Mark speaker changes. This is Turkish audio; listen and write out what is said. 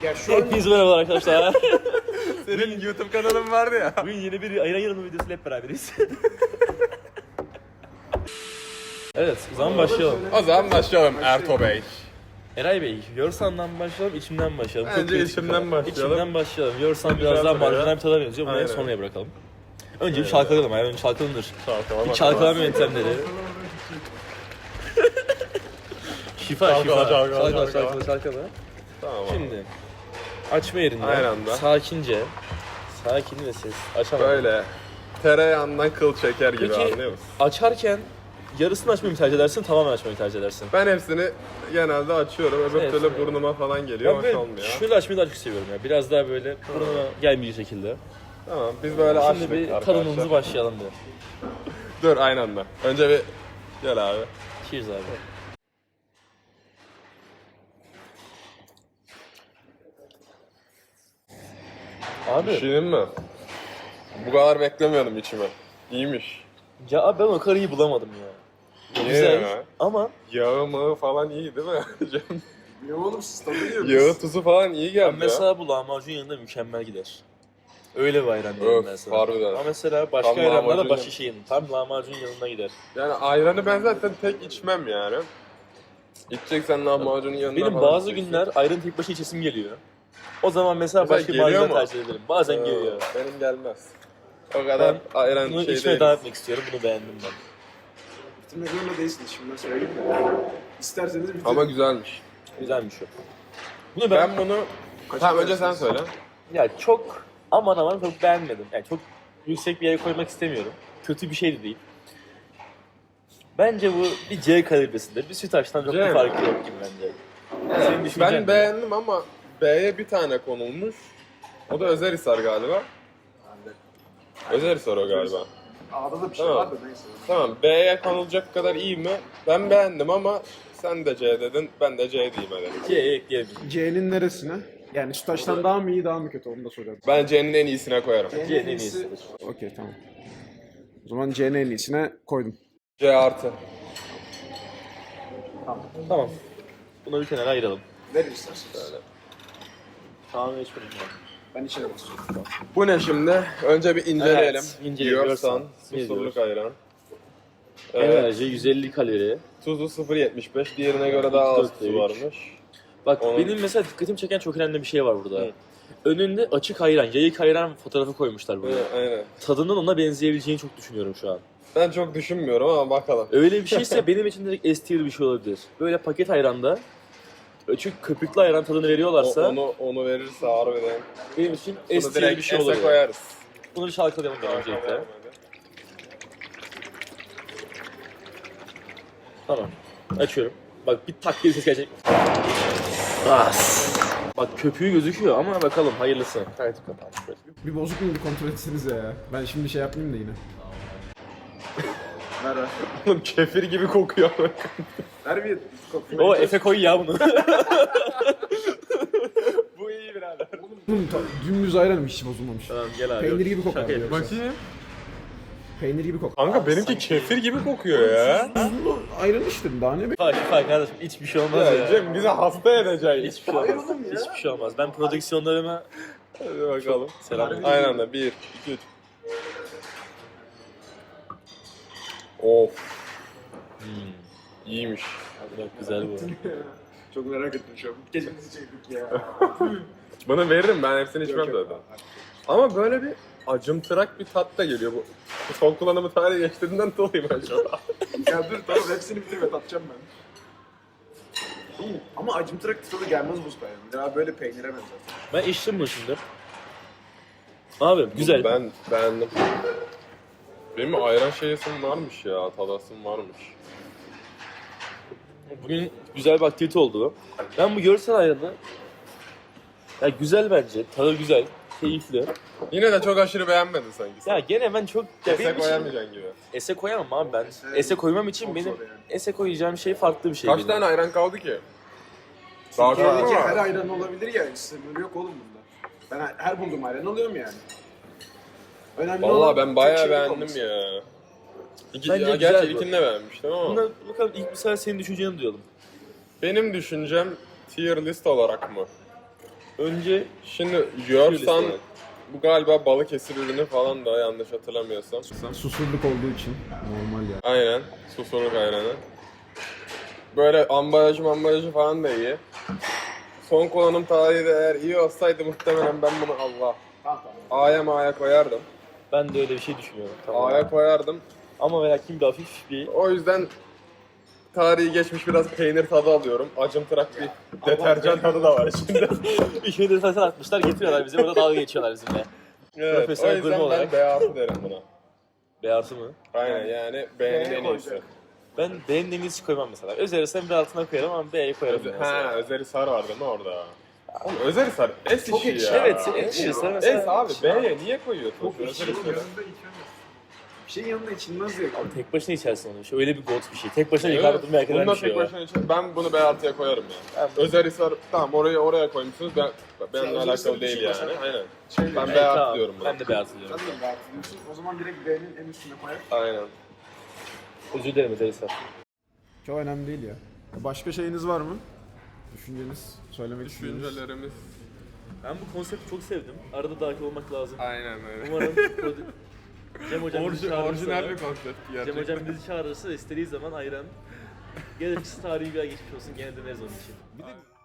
Speaker 1: Ya şu an
Speaker 2: Hepinize merhaba arkadaşlar.
Speaker 3: Senin YouTube kanalın vardı ya.
Speaker 2: Bugün yeni bir ayran yanımı videosuyla hep beraberiz. Evet, o zaman başlayalım.
Speaker 3: O zaman başlayalım Erto Bey.
Speaker 2: Eray Bey, Yorsan'dan mı başlayalım, içimden mi başlayalım?
Speaker 3: Bence
Speaker 2: kritik bir
Speaker 3: içimden
Speaker 2: konu.
Speaker 3: başlayalım.
Speaker 2: İçimden başlayalım. Yorsan
Speaker 3: Güzel
Speaker 2: biraz daha
Speaker 3: buraya.
Speaker 2: marjinal bir tada benziyor. Bunu en
Speaker 3: Aynen.
Speaker 2: sonraya bırakalım. Önce bir çalkalayalım, ayran çalkalanır.
Speaker 3: Çalkalama.
Speaker 2: Bir çalkalama yöntemleri. Şifa,
Speaker 3: Çalkala,
Speaker 2: şifa.
Speaker 3: çalkala.
Speaker 2: Çalkala.
Speaker 3: Tamam.
Speaker 2: Şimdi, açma yerinde.
Speaker 3: Aynı anda.
Speaker 2: Sakince. Sakin ve ses. Açamam.
Speaker 3: Böyle tereyağından kıl çeker gibi,
Speaker 2: Peki,
Speaker 3: anlıyor musun?
Speaker 2: açarken yarısını açmayı mı tercih edersin, tamamen açmayı tercih edersin?
Speaker 3: Ben hepsini genelde açıyorum. Öbür
Speaker 2: Evet.
Speaker 3: türlü burnuma falan geliyor.
Speaker 2: Ben
Speaker 3: Hoş
Speaker 2: böyle
Speaker 3: olmuyor.
Speaker 2: şöyle açmayı daha çok seviyorum ya. Biraz daha böyle burnuma gelmeyecek şekilde.
Speaker 3: Tamam, biz böyle açtık
Speaker 2: Şimdi bir
Speaker 3: arkadaşlar.
Speaker 2: tadımımızı başlayalım bir.
Speaker 3: Dur, aynı anda. Önce bir gel abi.
Speaker 2: Cheers abi. Abi,
Speaker 3: Düşüneyim mi? Bu kadar beklemiyordum içime. İyiymiş.
Speaker 2: ya abi ben o kadar iyi bulamadım ya.
Speaker 3: Niye
Speaker 2: Güzel
Speaker 3: ya?
Speaker 2: ama
Speaker 3: Yağı mağı falan iyi değil mi?
Speaker 1: ne oğlum siz tadı yiyorsunuz.
Speaker 3: Yağı tuzu falan iyi geldi
Speaker 2: ben mesela bu lahmacun yanında mükemmel gider. Öyle bir ayran
Speaker 3: ya.
Speaker 2: diyorum
Speaker 3: Öf,
Speaker 2: ben sana.
Speaker 3: harbiden.
Speaker 2: Ama mesela başka
Speaker 3: Tam
Speaker 2: ayranlarda
Speaker 3: lahmacun
Speaker 2: başka
Speaker 3: yanı-
Speaker 2: şeyin. Tam lahmacun yanına gider.
Speaker 3: Yani ayranı ben zaten tek içmem yani. İçeceksen lahmacunun yanına
Speaker 2: Benim
Speaker 3: falan
Speaker 2: bazı
Speaker 3: içeceksin.
Speaker 2: günler ayran tek başına içesim geliyor. O zaman mesela
Speaker 3: Mesela
Speaker 2: başka bir
Speaker 3: geliyor
Speaker 2: ayran
Speaker 3: mu?
Speaker 2: tercih ederim. Bazen geliyor.
Speaker 3: Benim gelmez. O kadar ayran
Speaker 2: Bunu
Speaker 3: şey
Speaker 2: içmeye
Speaker 3: değil.
Speaker 2: devam etmek istiyorum. Bunu beğendim ben.
Speaker 1: Bitirmek zorunda değilsiniz şimdi söyleyeyim mi? İsterseniz bitirin.
Speaker 3: Ama güzelmiş.
Speaker 2: Güzelmiş o. Bunu ben,
Speaker 3: Ben bunu... Tamam, önce sen söyle.
Speaker 2: ya çok aman çok beğenmedim. Yani çok yüksek bir yere koymak istemiyorum. Kötü bir şey de değil. Bence bu bir C kalibresinde. Bir Sütaş'tan çok
Speaker 3: C
Speaker 2: bir
Speaker 3: mi?
Speaker 2: farkı yok gibi bence. Senin düşüncen
Speaker 3: Ben
Speaker 2: ne?
Speaker 3: beğendim ama B'ye bir tane konulmuş. O da Özerhisar galiba. Özerhisar o galiba.
Speaker 1: A'da da bir şey
Speaker 3: Tamam.
Speaker 1: var da neyse.
Speaker 3: Tamam, B'ye konulacak kadar iyi mi? Ben beğendim ama sen de C dedin, ben de C diyeyim hadi.
Speaker 2: C'ye ekleyelim.
Speaker 1: C'nin neresine? Yani Sütaş'tan daha mı iyi daha mı kötü onu da soralım.
Speaker 3: Ben C'nin en iyisine koyarım.
Speaker 2: C'nin en iyisidir.
Speaker 1: Okey tamam. O zaman C'nin en iyisine koydum.
Speaker 3: C artı.
Speaker 2: Tamam. Bunu bir kenara ayıralım.
Speaker 1: Verin isterseniz.
Speaker 2: Tamam içmedim ben.
Speaker 1: Ben içeri basıyorum.
Speaker 3: Bu ne şimdi? Önce bir inceleyelim.
Speaker 2: Evet, inceleyelim.
Speaker 3: Diyorsan,
Speaker 2: Ne
Speaker 3: susurluk
Speaker 2: diyoruz?
Speaker 3: ayran. Evet.
Speaker 2: Enerji 150 kalori.
Speaker 3: Tuzu 0.75, diğerine göre daha az
Speaker 2: 4'te
Speaker 3: tuzu
Speaker 2: 3.
Speaker 3: varmış.
Speaker 2: Bak
Speaker 3: Onun-
Speaker 2: benim mesela dikkatimi çeken çok önemli bir şey var burada.
Speaker 3: Hı.
Speaker 2: Önünde açık ayran, yayık ayran fotoğrafı koymuşlar buraya.
Speaker 3: Evet, aynen.
Speaker 2: Tadının ona benzeyebileceğini çok düşünüyorum şu an.
Speaker 3: Ben çok düşünmüyorum ama bakalım.
Speaker 2: Öyle bir şeyse benim için direkt S tier bir şey olabilir. Böyle paket ayranda açık köpüklü ayran tadını veriyorlarsa
Speaker 3: Onu verirse harbiden.
Speaker 2: benim için
Speaker 3: Bunu
Speaker 2: S tier
Speaker 3: direkt
Speaker 2: bir şey
Speaker 3: S'e
Speaker 2: olabilir.
Speaker 3: koyarız.
Speaker 2: Bunu bir çalkalayalım ben öncelikle.
Speaker 3: Hadi.
Speaker 2: Tamam. Açıyorum. Bak bir tak diye ses gelecek. As. Bak köpüğü gözüküyor ama bakalım hayırlısı.
Speaker 3: Kayıt kapat.
Speaker 1: Bir bozuk mu bir kontrol etsenize ya. Ben şimdi şey yapmayayım da yine. Ver ver.
Speaker 3: Oğlum kefir gibi kokuyor.
Speaker 1: Ver bir
Speaker 2: O Efe koy ya bunu.
Speaker 3: Bu iyi birader.
Speaker 1: Oğlum dümdüz ayranım hiç bozulmamış.
Speaker 2: Tamam gel abi.
Speaker 1: Peynir gibi kokar
Speaker 2: Şaka
Speaker 1: diyor.
Speaker 2: yapıyorsun.
Speaker 3: Bakayım.
Speaker 1: Peynir gibi kokar.
Speaker 3: Kanka benimki kefir gibi kokuyor ya.
Speaker 1: Tuzlu ayran içtim daha ne be?
Speaker 2: Şifa kardeşim hiçbir şey olmaz ya.
Speaker 3: Ya Cem, bizi hasta edeceksin.
Speaker 2: Hiçbir şey olmaz. Hiçbir şey olmaz. Ben prodüksiyonlarıma
Speaker 3: Hadi bakalım.
Speaker 2: selam.
Speaker 3: Aynı anda 1, 2, 3. Of. İyiymiş.
Speaker 2: Bak güzel bu.
Speaker 1: Çok merak ettim şu an. Gecemizi çektik ya.
Speaker 3: Bana veririm, ben hepsini içmem zaten. Ama böyle bir acımtırak bir tat da geliyor bu. Son kullanımı tarihi geçtiğinden dolayı ben şu an.
Speaker 1: Ya dur tamam hepsini bitirme tatacağım ben. Ama acımtırak tadı gelmez bu sefer. Ya böyle peynire benzer.
Speaker 2: Ben içtim bunu şimdi. Abi güzel.
Speaker 3: Ben beğendim. Benim ayran şeyesim varmış ya, tadasım varmış.
Speaker 2: Bugün güzel bir aktivite oldu. Ben bu görsel ayranı ya güzel bence. Tadı güzel. Keyifli.
Speaker 3: Yine de çok aşırı beğenmedin sanki.
Speaker 2: Ya gene ben çok... Ya
Speaker 3: Ese
Speaker 2: benim için-
Speaker 3: koyamayacaksın gibi.
Speaker 2: Ese koyamam abi ben. Ese koymam için
Speaker 1: Çok
Speaker 2: benim
Speaker 1: zor yani.
Speaker 2: ese koyacağım şey farklı bir şey.
Speaker 3: Kaç
Speaker 2: benim.
Speaker 3: tane ayran kaldı ki? Daha çok
Speaker 1: Türkiye'deki
Speaker 3: mu
Speaker 1: her
Speaker 3: var?
Speaker 1: ayran olabilir ya. Sınırı yok oğlum bunda. Ben her bulduğum ayran alıyorum yani. Önemli
Speaker 3: Vallahi
Speaker 1: olan
Speaker 3: ben
Speaker 1: tek
Speaker 3: bayağı
Speaker 1: şeylik
Speaker 3: beğendim
Speaker 1: olması.
Speaker 3: ya.
Speaker 2: Bence
Speaker 3: Ya
Speaker 2: güzel
Speaker 3: gerçi
Speaker 2: bu.
Speaker 3: ilkini de beğenmiştim ama.
Speaker 2: Buna bakalım ilk mesela senin düşünceni duyalım.
Speaker 3: Benim düşüncem tier list olarak mı?
Speaker 2: Önce
Speaker 3: Şimdi yiyorsan
Speaker 2: listeye.
Speaker 3: bu galiba Balıkesir ürünü falan da yanlış hatırlamıyorsam.
Speaker 1: Susurluk olduğu için normal ya.
Speaker 3: Aynen. Susurluk ayranı. Böyle ambalajı falan da iyi. Son kullanım tarihi de eğer iyi olsaydı muhtemelen ben bunu Allah
Speaker 1: Tamam.
Speaker 3: A'ya ma'ya koyardım.
Speaker 2: ben de öyle bir şey düşünüyorum. Tamam.
Speaker 3: A'ya koyardım.
Speaker 2: Ama ve lakin bir hafif bir
Speaker 3: O yüzden tarihi geçmiş biraz peynir tadı alıyorum. Acımtırak bir deterjan tadı da var içinde.
Speaker 2: işini de zaten atmışlar getiriyorlar bize. Burada dalga geçiyorlar bizimle.
Speaker 3: Evet, o
Speaker 2: Profesyonel
Speaker 3: yüzden
Speaker 2: gurme
Speaker 3: ben
Speaker 2: olarak.
Speaker 3: B6 derim buna.
Speaker 2: Beyazı mı?
Speaker 3: Aynen yani B'nin en iyisi.
Speaker 1: koyacak.
Speaker 2: Ben B'nin en iyisi koymam mesela. Özellikle bir altına koyarım ama B'ye koyarım. mesela.
Speaker 3: Özerhisar var değil mi orada? Oğlum Özerhisar es
Speaker 1: Çok
Speaker 3: işi
Speaker 1: ekşi.
Speaker 3: ya.
Speaker 2: Evet, ekşi. Sen mesela...
Speaker 3: Es abi B'ye niye koyuyorsun?
Speaker 1: Çok ekşi.
Speaker 3: Özerhisar'ı?
Speaker 1: Yanında içemez. Bir şeyin yanında içilmez ya.
Speaker 2: Tek başına içersin onu. Öyle bir gold bir şey. Tek başına yukarıda durmaya kadar
Speaker 3: Bununla
Speaker 2: bir şey
Speaker 3: tek
Speaker 2: var.
Speaker 3: başına içer. Ben bunu B6'ya koyarım ya.
Speaker 2: Ben-
Speaker 3: Özerhisar tamam oraya koymuşsunuz. Benimle
Speaker 1: Özerhisar'ın
Speaker 3: alakalı değil
Speaker 1: içi
Speaker 3: yani.
Speaker 1: mesela-
Speaker 3: Aynen.
Speaker 1: Şey
Speaker 3: Ben
Speaker 1: ben
Speaker 3: B6
Speaker 2: tamam.
Speaker 3: diyorum buna.
Speaker 2: Ben de beyaz diyorum.
Speaker 1: Sen de rahat ediyorsun. O zaman direkt B'nin en üstüne koyar.
Speaker 3: Aynen.
Speaker 2: Özür dilerim Özelhisar.
Speaker 1: Çok önemli değil ya. Başka şeyiniz var mı? Düşünceniz, söylemek istediğiniz.
Speaker 3: Düşüncelerimiz
Speaker 2: Ben bu konsepti çok sevdim. Arada dahil olmak lazım.
Speaker 3: aynen öyle.
Speaker 2: Umarım Cem hocam bizi çağırırsa,
Speaker 3: Orijinal bir konsept
Speaker 2: Cem
Speaker 3: gerçekten.
Speaker 2: hocam bizi çağırırsa istediği zaman ayran. Gerekirse tarihi bir ay geçmiş olsun gene döneriz onun için.
Speaker 3: Bir de